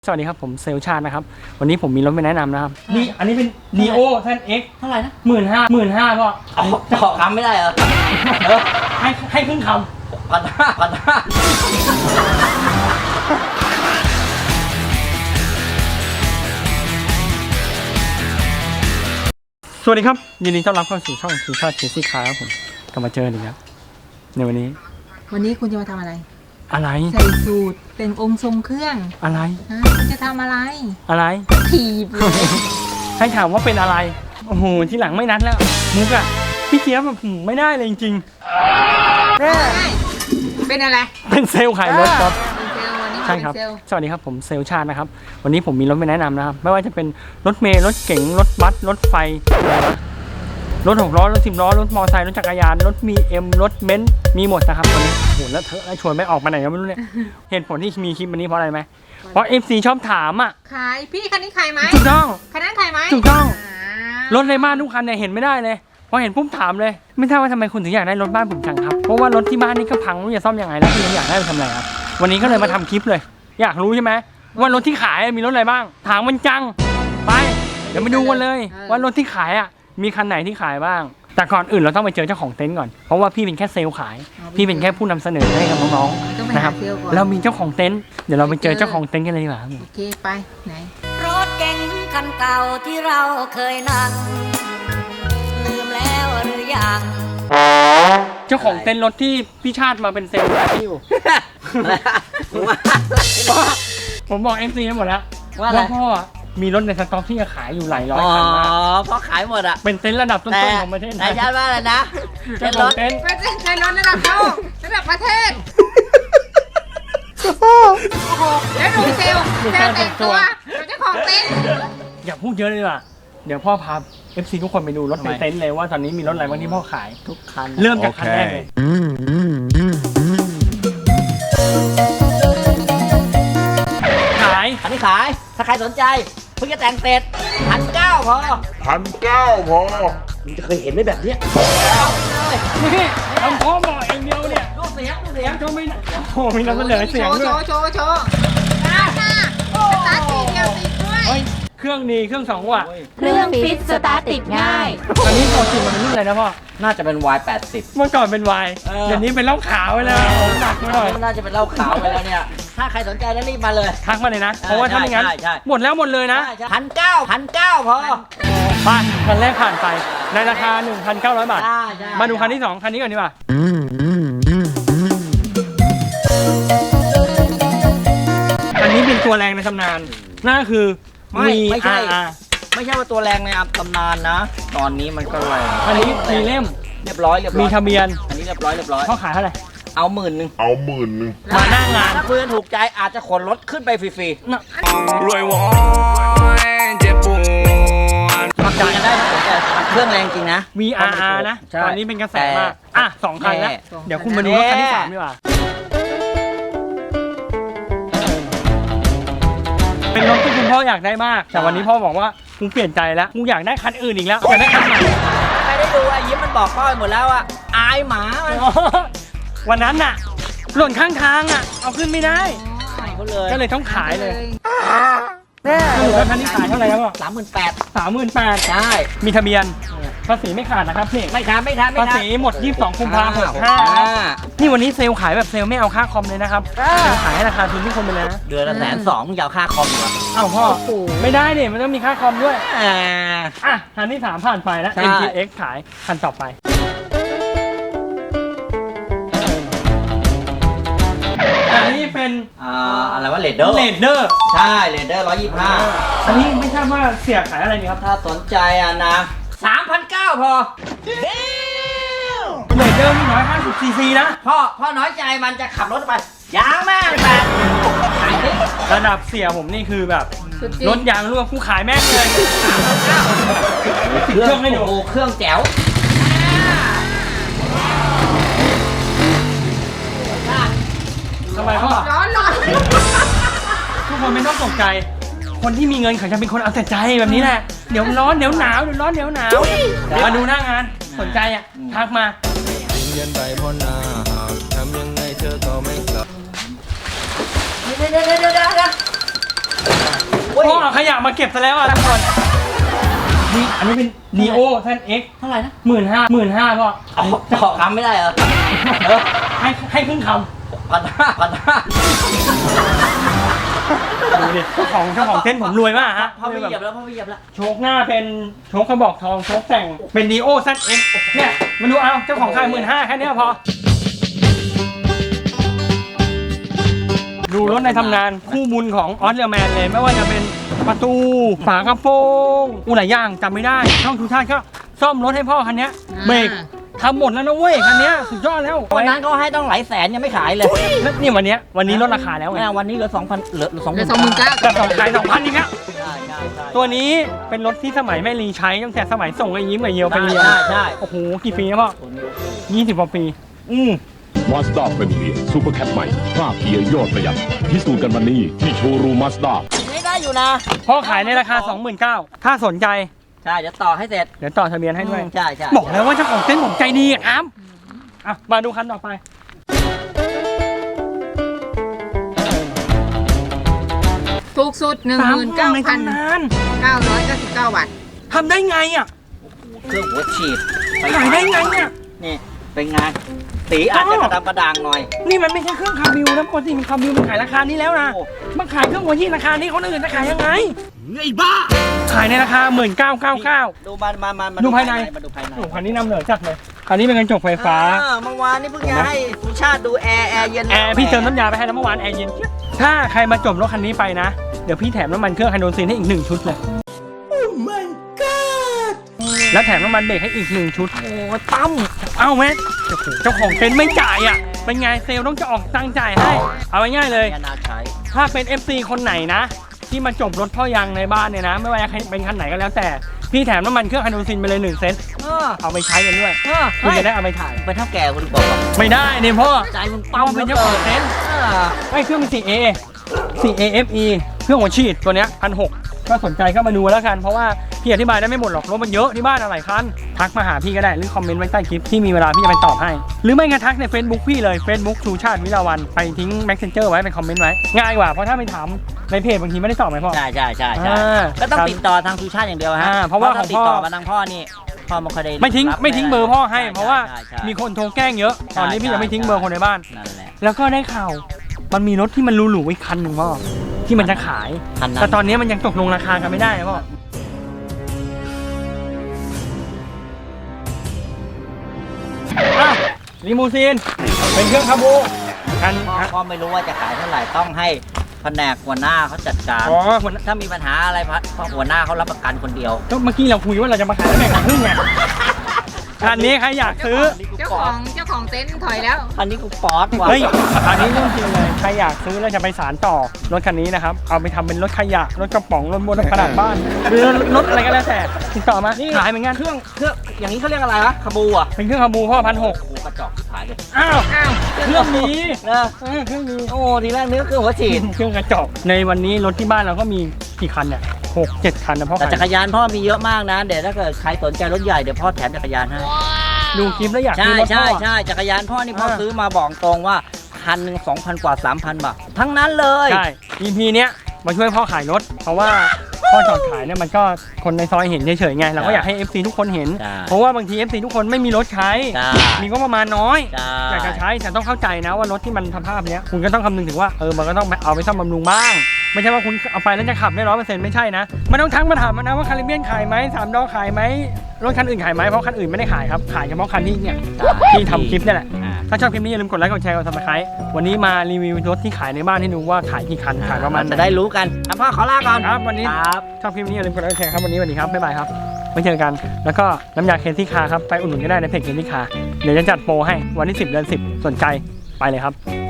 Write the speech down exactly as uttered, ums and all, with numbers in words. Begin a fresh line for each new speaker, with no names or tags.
สวัสดีครับผมเซลชาตินะครับวันนี้ผมมีรถมาแนะนำนะครับนี่อันนี้เป็น Neo แซด เอ็กซ์
เท่าไหร่นะ
หมื่นห้าหมื่นห้าก็
ขอคำไม่ได้เหรอ
ให้ให้ครึ่งค
พันห้าพันห้า
ำสวัสดีครับยินดีต้อนรับเข้าสู่ช่องสุชาติเคซี่คาร์ครับผมกลับมาเจออีกแล้วในวันนี้
วันนี้คุณจะมาทำอะไร
อะไร
ใส่สูตรแต่งองค์ทรงเครื่อง
อะไร
ฮะคุณจะทำอะไร
อะไร
ถีบเลย
ให้ถามว่าเป็นอะไรโอ้โหที่หลังไม่นัดแล้วมุกอะพี่เจี๊ยบแบบไม่ได้เลยจริงๆ
เป็นอะไร
เป็นเซลล์ขายรถครับ
เป็นเซลล์วันนี้
ใช่ครับ
เป็นเซลล์
สวัสดีครับผมเซลชาตินะครับวันนี้ผมมีรถมาแนะนำนะครับไม่ว่าจะเป็นรถเมล์รถเก๋งรถบัสรถไฟอะไรวะรถหกล้อรถสิบล้อรถมอเตอร์ไซค์รถจักรยานรถมีเอ็มรถเบนซ์มีหมดนะครับวันนี้โหแล้วเธอแล้วชวนไม่ออกมาไหนก็ไม่รู้เนี่ย เหตุผลที่มีคลิปวันนี้เพราะอะไรไหมเพราะ เอฟ ซี ชอบถามอ่ะ
ขายพี่คันนี้ขายไหม
ถูกต้อง
คันนั้นขายไหม
ถูกต้อง
อ่าร
ถในบ้านทุกคันเนี่ยเห็นไม่ได้เลยพอเห็นปุ๊บถามเลยไม่ทราบว่าทำไมคุณถึงอยากได้รถบ้านผมจังครับเพราะว่ารถที่บ้านนี่ก็พังไม่รู้จะซ่อมยังไงแล้วคุณยังอยากได้ไปทำอะไรครับวันนี้ก็เลยมาทำคลิปเลย อยากรู้ใช่ไหมว่ารถที่ขายมีรถอะไรบ้างถามมันจังไปเดี๋ยวมาดูกันเลยว่ารถที่ขายอ่ะมีคันไหนที่ขายบ้างแต่ก่อนอื่นเราต้องไปเจอเจ้าของเต็นท์ก่อนเพราะว่าพี่เป็นแค่เซลล์ขายพี่เป็นแค่ผู้นำเสนอให้กับน้อง
ต้องไป
ๆนะค
หา
รับ
เซลล์ก่อน
เรามีเจ้าของเต็นท์เดี๋ยวเราไปเจอเจ้าของเต็นท์กันเลยดีกว่า
โอเคไปไหน
รถเก๋งคันเก่าที่เราเคยนั่งลืมแล้วหรือยัง
เจ้าของเต็นท์รถที่พี่ชาติมาเป็นเซลล์ขายอยู่ ผมบอก เอฟ ซี ให้หมดแล้ว
ว่าอะไร
พ่อมีรถในสต็อกที่จะขายอยู่หลายร้อย
อ๋อ
คันมาก
เพราะขายหมดอ่ะ
เป็นเต็นท์ระดับต้
แต่
นๆของประเทศไท
แต่
ย
ชาติว่าอะไรนะ
เจ้า
เป็น
ข
ร
อง
ถ
เต็นท์
ไม่ใช่ในรถระดับโลกระดับประเทศโอ้โหแล้วดูเซลล์เซลล์แต่งตัวเป็นเจ้าของเต็นท์
อย่าพูดเยอะเลยดีกว่าเดี๋ยวพ่อพา เอฟ ซี ทุกคนไปดูรถในเต็นท์เลยว่าตอนนี้มีรถอะไรบ้างที่พ่อขาย
ทุกคัน
เริ่มจากคันแรกเลยขาย
คันนี้ขาย ถ้าใครสนใจเพิ่งจะแต่งเสร็จพันเก้าพอ
พันเก้าพอ
มึงจะเคยเห็นไหมแบบเนี้ย
นี่ทำพ่อบอกเองเดียวเนี่ย
ดูเสียงดูเสียง
เขาไม่โอ้มีนำเสนอเสียง
โชว์
ด้
โช
วย
ว์โชว์โชว์ตาตาสตาร์ททีเดียวติดด้วย
เฮ้ยเครื่องดีเครื่องสองว่ะ
เครื่องฟิตสตาร์ทติดง่าย
อันนี้ปกติมันเป็นรุ่นอะไรนะพ่อ
น่าจะเป็น วาย แปดสิบ
เมื่อก่อนเป็นวาย
เออ
เดี๋ยวนี้เป็นเหล้าขาวไปแล้วหนักไปหน่อย
น่าจะเป็นเหล้าขาวไปแล้วเนี่ย ถ้าใครสนใจแล้วรีบมาเลย
ทักมาเลยนะ เพราะว่าถ้าไม่งั้น
ใช่ใช่
หมดแล้วหมดเลยนะ
พันเก้าพันเก้าพอ
ไปคันแรกผ่านไปในราคา หนึ่งพันเก้าร้อย บาท
ใช่ใช่
มาดูคันที่สองคันนี้ก่อนดีกว่าอันนี้เป็นตัวแรงในตำนานนั่นก็คือ
ไม่ไม่ใช่
วี อาร์
ไม่ใช่ว่าตัวแรงในอัตำนานนะ ตอนนี้มันก็แรง
อันนี้มีเล่ม
เรียบร้อยเรียบร้
มี
อย
ทะเบียน
อันนี้เรียบร้อยเรียบร้อย
เขาขายเท่าไหร่
เอาหมื่นหนึ่ง
เอาหมื่นหนึ่ง
มาหน้างาน
ถ้าคุยกันถูกใจอาจจะขนรถขึ้นไปฟรี
รวยวอยเจ็บปวด
ๆทำใจกันได้นะแต่เครื่องแรงจริงนะ
วี อาร์ นะ
ใช่
ตอนนี้เป็นกระแสมาก อ่ะสองคันแล้ว
แน่
เดี๋ยวคุณมาดูรถคันที่สามดีกว่า เป็นรถที่คุณพ่ออยากได้มาก แต่วันนี้พ่อบอกว่ากูเปลี่ยนใจแล้วกูอยากได้คันอื่นอีกแล้วอยากได้คันใหม่
ใครได้ดูไอ้ยิ้มมันบอกพ่อไปหมดแล้วอะอายหมามัน
วันนั้นน่ะ หล่นข้างทางอ่ะ เอาขึ้นไม่ได้
อายเขาเลย
ก็เลยต้องขายเลยสรุปแล้วคันนี้ขายเท่าไหร่ครับพ่อ
สามหมื่นแปด
สามหมื่นแปด
ใช่
มีทะเบียนภาษีไม่ขาดนะครับนี่
ไม่ทันไม่ทันไม่
ภา
ทัน
ษีหมดยี่สิบสองกุมภาพันธ์หกห้านี่วันนี้เซลล์ขายแบบเซลล์ไม่เอาค่าคอมเลยนะครับเซลล์ขายให้ราคาทุนทุกคนไปเลยนะ
เดือนละแสนสองมึงจะเอาค่าคอมเหรอ
เอ้าพ่อไม่ได้เนี่ยมันต้องมีค่าคอมด้วย
อ่า
อ่ะคันที่สามผ่านไปแล้ว
ใช่
เอ็ม ที เอ็กซ์ ขายคันต่อไปอันนี้เป็น
อ่าอะไรวะเลดเดอร์
เลดเดอร์
ใช่เลดเดอร์ร้อยยี่สิบห้า
อันนี้ไม่ทราบว่าเสียขายอะไรนี่ครับ
ถ้าสนใจอ่ะนะสามพันเก้าพอ
เลดเดอร์นี่ร้อยห้าสิบซีซีนะ
พ่อพ่อน้อยใจมันจะขับรถไปยางแม่งแปดขายดิ
ระดับเสียผมนี่คือแบบ
สุดจริง
รถยางรั่วกูขายแม่งเลยติดเครื่องให้ดู
โอ้โหเครื่องแจ๋ว
ทำไมพ่อ
ร้อนร้อน
ทุกคนไม่ต้องตกใจ คนที่มีเงินเขาจะเป็นคนเอาแต่ใจแบบนี้แหละ เดี๋ยวร้อนเดี๋ยวหนาวเดี๋ยวร้อนเดี๋ยวหนาวมาดูหน้างาน สนใจอ่ะ ทักมา
เย็นไปเพราะหน้าหากทำยังไงเธอก็ไม่กลับ
เดี๋ยวเดี๋ยวเดี๋ยวเดี๋ยวเดี๋ยวย
พ่อเอาขยะมาเก็บซะแล้วอ่ะทุกคนนี่อันนี้เป็น Neo แซด เอ็กซ์
เท่าไหร่นะ
หมื่นห้าหมื่นห้าพ่อ
เอาขอคำไม่ได้เหรอเออ
ให้ให้ครึ่งค
พันห้าพันห้า
ำดูดิเจ้าของเจ้าของเต้นผมรวยมากฮะ
พ่อไม่เหยียบแล้วพ่อไม่เหยียบแล้ว
โชคหน้าเป็นโชคกระบอกทองโชคแต่งเป็น Neo แซด เอ็กซ์ เนี่ยมาดูเอาเจ้าของขายหมื่นห้าแค่เนี้ยพอดูรถในตำนานคู่บุญของออสเตรแมนเลยไม่ว่าจะเป็นประตูฝากระโปรงอุหลายอย่างจำไม่ได้ช่องทุกชาติก็ซ่อมรถให้พ่อคันเนี้ยเบรกทำหมดแล้วนะเว้ยคันเนี้ยสุดยอดแล้ว
วันนั้นเขาให้ต้องหลายแสนยังไม่ขายเลย
แล้วนี่วันเนี้ยวันนี้ลดราคาแล้วไง
แม่วันนี้เหลือสองพันเหลือสอง
เหลือสองหมื่นเก้า
แต่สองขายสองพันอีกแล้ว
ใช่ใช่ใช่
ตัวนี้เป็นรถที่สมัยแม่ลีใช้ตั้งแต่สมัยส่งไอ้ยิ้มไอ้เยียวไปเรียน
ใช่ใช่
โอ้โหกี่ปีนะพ่อยี่สิบกว่าปีอืม
มาสด้าเฟมิเลียซูเปอร์แคปใหม่ภาพเกียร์ยอดประหยัดพิสูจน์กันวันนี้ที่โชว์รูมมาสด้า
ไม่ได้อยู่นะ
พ่อขายในราคา สองหมื่นเก้าพัน ถ้าสนใจ
ใช่เดี๋ยวต่อให้เสร็จ
เดี๋ยวต่อทะเบียนให้ด้วย
อืมใช่ใช่
บอกแล้วว่าเจ้าของเต้นผมใจดีอะครับอ่ะมาดูคันต่อไป
ถูกสุดหนึ่งหมื่นเก้า
ใน
พัน
ตำนาน
เก้าร้อยเก้าสิบเก้าบาท
ทำได้ไงอ่ะ
เครื่องหัวฉีด
ขายได้ไงเนี่ย
นี่เป็นไงสีอาจจะกระดำกระด่างหน่อย
นี่มันไม่ใช่เครื่องคาบิวนะปกติมันคาบิวมันขายราคานี้แล้วนะ
โอ้
มันขายเครื่องหัวยี่ราคานี้คนอื่นจะขายยังไงไอ้บ้าขายในราคาหมื่นเก้าเก้าเก้า
ดูมามามามา
ดูภายใน
มาดูภายใน
โอ้คันนี้นำเหนือจัดเลยคันนี้เป็นกระจกไฟฟ้า
อ่เมื่อวานนี่เพิ่งจะให้สุชาติดูแอร์แอร์เย็น
แอร์พี่เติมน้ำยาไปให้แล้วเมื่อวานแอร์เย็นเจี๊ยบถ้าใครมาจบรถคันนี้ไปนะ เดี๋ยวพี่แถมน้ำมันเครื่องไฮโดรซินให้อีกหนึ่งชุดเลย โอ้ my god แล้วแถมน้ำมันเบรกให้อีกหนึ่งชุด โอ้ตั้มเอ้าแม่โอ้โหเจ้าของเต็นท์ไม่จ่ายอ่ะ เป็นไงเซลล์ต้องจะออกตังค์จ่ายให้ เอาง่ายๆเลย
แอร์นาใช้
ถ้าเป็น เอฟ ซี คนไหนนะ ที่มาจบรถพ่อยางในบ้านเนี่ยนะ ไม่ว่าจะเป็นคันไหนก็แล้วแต่ พี่แถมน้ำมันเครื่องไฮโดรซินไปเลยหนึ่งเซต
เออ
เอาไปใช้กันด้วย
เออ
คุณจะได้เอาไปถ่าย
เป็นเท่าแก่คุณบอกว่า
ไม่ได้เนี่ยพ่อ
ใจมึง
เอา
ปั๊ม
เป็นเจ้าของเต็นท์
เออ
ไอ้เครื่องมัน 4A 4A เอฟ อี เครื่องหัวฉีดตัวเนี้ยพันหกก็สนใจก็มาดูแล้วกัน เพราะว่าพี่อธิบายได้ไม่หมดหรอกรถมันเยอะที่บ้านอะไรคันทักมาหาพี่ก็ได้หรือคอมเมนต์ไว้ใต้คลิปที่มีเวลาพี่จะไปตอบให้ หรือไม่งั้นทักใน Facebook พี่เลย Facebook ชูชาติวิลาวันไปทิ้ง Messenger ไว้เป็นคอมเมนต์ไว้ง่ายกว่าเพราะถ้าไปถามในเพจบางทีไม่ได้ตอบไหมพ่อ
ใช่ใช่ใช่ใช่
อ่า
ก็ต้องติดต่อทางสุชาติอย่างเดียวฮะ
อ่าเพราะว่า
ถ้
ของ
ติ
พ่
ด
อ
ต่อมาทางพ่อนี่พ่อไม่ค่อยได้
ไม่ทิ้ง
รับ
ไม่ทิ้งเบอร์พ่อให้
ใช่
เพราะว่า
ใช่ใช่
มีคนโทรแกล้งเยอะ ตอนนี้พี่ยังไม่ทิ้งเบอร์คนในบ้าน
นั่นแหละ
แล้วก็ได้ข่าวมันมีรถที่มันหรูๆอีกคันหนึ่งพ่อที่มันจะขาย
คันนั้น
แต่ตอนนี้มันยังตกลงราคากันไม่ได้นะพ่ออ่ะลิมูซีนเป็นเครื่องคาบูกัน
พ่อก็ไม่รู้ว่าจะขายเท่าไหร่ต้องให้แผนกหัวหน้าเขาจัดการ
อ๋อคน
ถ้ามีปัญหาอะไรพะหัวหน้าเขารับประกันคนเดียว
ก็เมื่อกี้เราคุยว่าเราจะมาขายแล้วแบ่งกันครึ่งไงคันนี้ใครอยากซื้อ
เจ้าของเจ้าของเต็นท์ถอยแล้ว
อันนี้กูป๊อตว่ะ
เฮ้ยอันนี้เรื่องจริงเลยใครอยากซื้อแล้วจะไปสารต่อรถคันนี้นะครับเอาไปทำเป็นรถขยะรถกระป๋องรถบนรถกระดาษบ้านหรือรถอะไรก็แล้วแต่ติดต่อมาขายเหมือนกัน
เครื่องเครื่องอย่างนี้เขาเรียกอะไรวะคาบูอ่ะ
เป็นเครื่องคาบูพ่อพันหก
กูกระจอกขายเลย
อ้าว
อ้าว
เครื่องนี้
นะ
เออเครื่องนี้
โอ้ทีแรกนึกเครื่องหัวฉีด
เครื่องกระจกในวันนี้รถที่บ้านเราก็มีกี่คันเนี่ยหกเจ็ดคันนะพ่อ
แต่
ขาย
จักรยานพ่อมีเยอะมากนะเดี๋ยวถ้าเกิดใครสนใจรถใหญ่เดี๋ยวพ่อแถมจักรยานให้
ดูคลิปแล้วอยาก
ใช่
ซื้อรถพ่
ใช่
อ
ใช่จักรยานพ่อนี่พ่อ
อ่า
ซื้อมาบอกตรงว่าคันหนึ่งสองพันกว่าสามพันบาททั้งนั้นเลย
ใช่ อี พี เนี้ยมาช่วยพ่อขายรถ เพราะว่าพ่อจอดขายเนี่ยมันก็คนในซอยเห็นเฉยๆไงเราก็อยากให้ เอฟ ซี ทุกคนเห็น
ใช่
เพราะว่าบางที เอฟ ซี ทุกคนไม่มีรถใช้
ใช่
มีก็ประมาณน้อย
ใช่
อยากจะใช้แต่ต้องเข้าใจนะว่ารถที่มันสภาพเนี้ยคุณก็ต้องคำนึงถึงว่าเออมันก็ต้องเอาไปซ่อมบำรุงบ้าง ไม่ใช่ว่าคุณเอาไปแล้วจะขับได้ร้อยเปอร์เซ็นต์ไม่ใช่นะมันต้องทั้งมาถามมันนะว่าคาริเบียนขายไหมสามดอขายไหมรถคันอื่นขายไหมเพราะคันอื่นไม่ได้ขายครับขายเฉพาะคันที่เนี่ยที่ทำคลิปนี่แหละ
อ่า
ถ้าชอบคลิปนี้อย่าลืมกดไลค์กดแชร์กดซับสไครต์วันนี้มารีวิวรถที่ขายในบ้านให้ดูว่าขายกี่คันขายประมาณ
จะได้รู้กันอ่ะพ่อขอลาก่อน
ครับวันนี้
ครับ
ชอบคลิปนี้อย่าลืมกดไลค์กดแชร์ครับวันนี้สวัสดีครับบ๊ายบายครับไว้เจอกันแล้วก็น้ำยาเคนซี่คาร์ครับไปอุดหนุนก็ได้ในเพจเคนซี่คาร์เดี๋ยวจะจัดโปรให้วันที่สิบเดือนสิบสนใจไปเลยครับ